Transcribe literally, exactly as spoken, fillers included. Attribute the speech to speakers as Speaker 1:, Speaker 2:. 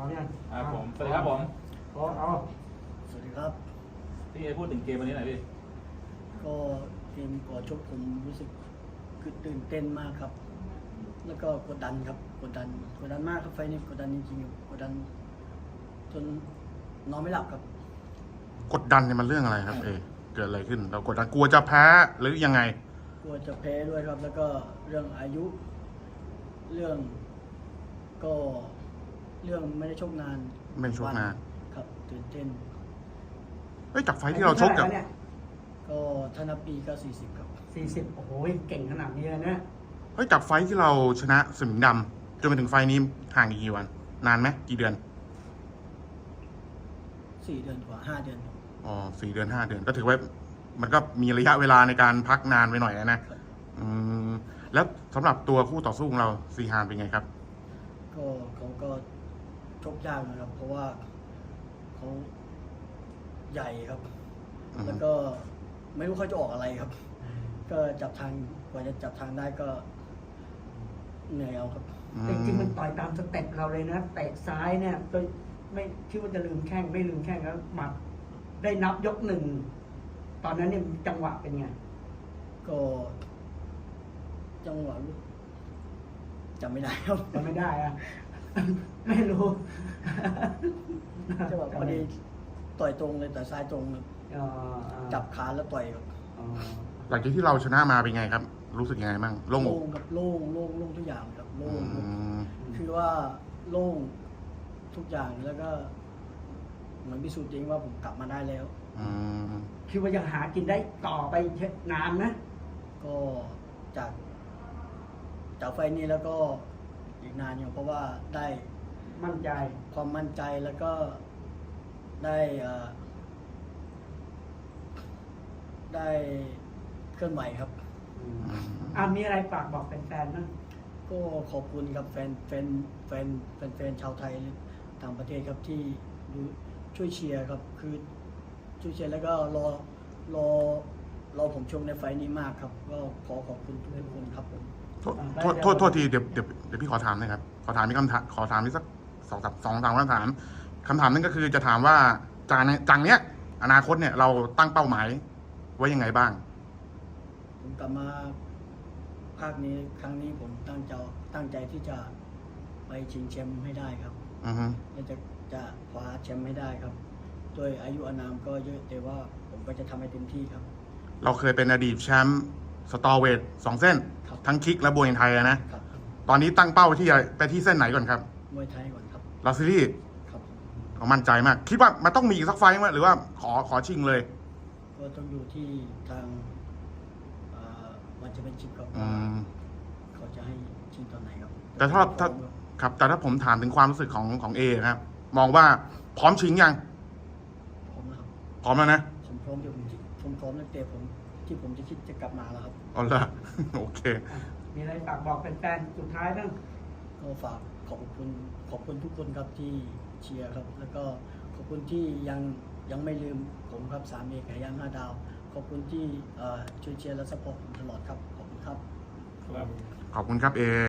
Speaker 1: เอาเนี่ย
Speaker 2: อ่าผมสวัสดีครับผม
Speaker 1: เอาเอา
Speaker 3: สวัสดีครับ
Speaker 2: พี่เอพูดถึงเกมวันนี้หน่อยพี่
Speaker 3: ก็เกมก่อนชกผมรู้สึกคือตื่นเต้นมากครับ แล้วก็กดดันครับกดดันกดดันมากครับไฟนี้กดดันจริงๆกดดันจนนอนไม่หลับครับ
Speaker 4: กดดันเนี่ยมันเรื่องอะไรครับเอเกิดอะไรขึ้น เรากดดันกลัวจะแพ้หรือยังไง
Speaker 3: กลัวจะแพ้ด้วยครับ แล้วก็เรื่องอายุ เรื่องก็เรื่องไม่ได้ชกนาน
Speaker 4: ไม่ได้ชกนาน
Speaker 3: ครับตื่นเต้น
Speaker 4: เอ้ยจากไฟท์ที่เราชกกับ
Speaker 1: เนี่ย
Speaker 3: ก็ถ้านับปีก็สี่สิบครับ
Speaker 1: สี่สิบโอ้โหเก่งขนาดนี้เลยนะ
Speaker 4: เฮ้ยจากไฟท์ที่เราชนะสมิงดำจนมาถึงไฟท์นี้ห่างอีกกี่วัน นานไหมกี่เดือน
Speaker 3: สี่เดือนกว่าห้าเดือนครับ
Speaker 4: อ๋อสี่เดือนห้าเดือนก็ถือว่ามันก็มีระยะเวลาในการพักนานไปหน่อยนะอืมแล้วสำหรับตัวคู่ต่อสู้ของเราซีฮานเป็นไงครับ
Speaker 3: ก็เขาก็ชกยากนะครับ เพราะว่าเขาใหญ่ครับ
Speaker 4: อืม
Speaker 3: แล้วก็ไม่รู้เขาจะออกอะไรครับ ก็จับทางกว่าจะจับทางได้ก็เหนื่อยเอาครับ
Speaker 4: อื
Speaker 1: จริงๆมันต่อยตามสเต็ปเราเลยนะเตะซ้ายเนี่ยโดยไม่คิดว่าจะลืมแข้งไม่ลืมแข้งแล้วหมัดได้นับยกหนึ่งตอนนั้นเนี่ยจังหวะเป็นไง
Speaker 3: ก็จังหวะลูกจำไม่ได้ครับ
Speaker 1: จำไม่ได้อะ ไม่รู้
Speaker 3: จังหวะพอดีต่อยตรงเลยแต่ซ้ายตรงครับ
Speaker 1: เอ่อเอ่อ
Speaker 3: จับขาแล้วต่อยครับ
Speaker 1: เอ่อ
Speaker 4: หลังจากที่เราชนะมาเป็นไงครับ รู้สึกยังไงบ้างโล่งอก
Speaker 3: โล่งครับโล่งโล่งโล่งทุกอย่างครับโล่
Speaker 4: อื
Speaker 3: งครับ
Speaker 4: ม
Speaker 3: คือว่าโล่งทุกอย่างแล้วก็เหมือนพิสูจน์จริงว่าผมกลับมาได้แล้ว
Speaker 4: อืม
Speaker 1: คิดว่ายังหากินได้ต่อไปนานนะ
Speaker 3: ก็จากจากไฟล์นี้แล้วก็อีกนานอยู่เพราะว่าได้
Speaker 1: มั่นใจ
Speaker 3: ความมั่นใจแล้วก็ได้เอ่อได้เคลื่อนไหวครับ
Speaker 1: อ่ามีอะไรฝากบอกแฟนๆบ้าง
Speaker 3: ก็ขอบคุณครับแฟนแฟนแฟนแฟนแฟนชาวไทยต่างประเทศครับที่ดูช่วยเชียร์ครับ คือช่วยเชียร์แล้วก็รอรอรอผมชมในไฟล์นี้มากครับ ก็ขอขอบคุณทุกคนครับผม
Speaker 4: โทษโทษโทษโทษทีเดี๋ยวเดี๋ยวเดี๋ยวพี่ขอถามหนะครับขอถามมีคำถามขอถามนี่สักสองสามสองสามคำถามคำถามนั่นก็คือจะถามว่าจากในจากเนี้ยอนาคตเนี่ยเราตั้งเป้าหมายไว้ยังไงบ้าง
Speaker 3: ผมกลับมาภาคนี้ครั้งนี้ผมตั้งใจตั้งใจที่จะไปชิงแชมป์ให้ได้ครับ
Speaker 4: อือฮึ
Speaker 3: และจะจะคว้าแชมป์ให้ได้ครับโดยอายุอานามก็เยอะแต่ว่าผมก็จะทำให้เต็มที่ครับ
Speaker 4: เราเคยเป็นอดีตแชมป์สตอเวทสองเส้น
Speaker 3: ครับ
Speaker 4: ทั้งคิกและบวยไทยอะนะ
Speaker 3: ครับ
Speaker 4: ตอนนี้ตั้งเป้าที่จะไปที่เส้นไหนก่อนครับ
Speaker 3: มวยไทยก่อนครับ
Speaker 4: ลาซิลี่
Speaker 3: ครับ
Speaker 4: เขามั่นใจมาก คิดว่ามันต้องมีอีกสักไฟต์ไหมหรือว่าขอขอชิงเลย
Speaker 3: ก็ต้องอยู่ที่ทางเอ่อวันจะเป็นชิปครับ
Speaker 4: อื
Speaker 3: ว่าม เขาจะให้ชิงตอนไหนครับ
Speaker 4: แต่ถ้าถ้าครับแต่ถ้าผมถามถึงความรู้สึกของของเอนะครับ มองว่าพร้อมชิงยัง
Speaker 3: พร้อมนะครับ
Speaker 4: พร้อมแล้วนะ
Speaker 3: ผมพร้อมอยู่ผมผมพร้อมตั้งแต่ผมที่ผมจะคิดจะกลับมาแล้วครับ
Speaker 4: เอาละ โอเค
Speaker 1: อ่ะมีอะไรฝากบอกแฟนๆสุดท้ายบ้าง
Speaker 3: ก็ฝากขอบคุณขอบคุณทุกคนครับที่เชียร์ครับ แล้วก็ขอบคุณที่ยังยังไม่ลืมผมครับสามเอกไก่ย่างห้าดาว ขอบคุณที่เอ่อช่วยเชียร์และสปอร์ตผมตลอดครับ ขอบคุณครับ
Speaker 2: ครับ
Speaker 4: ขอบคุณครับเอ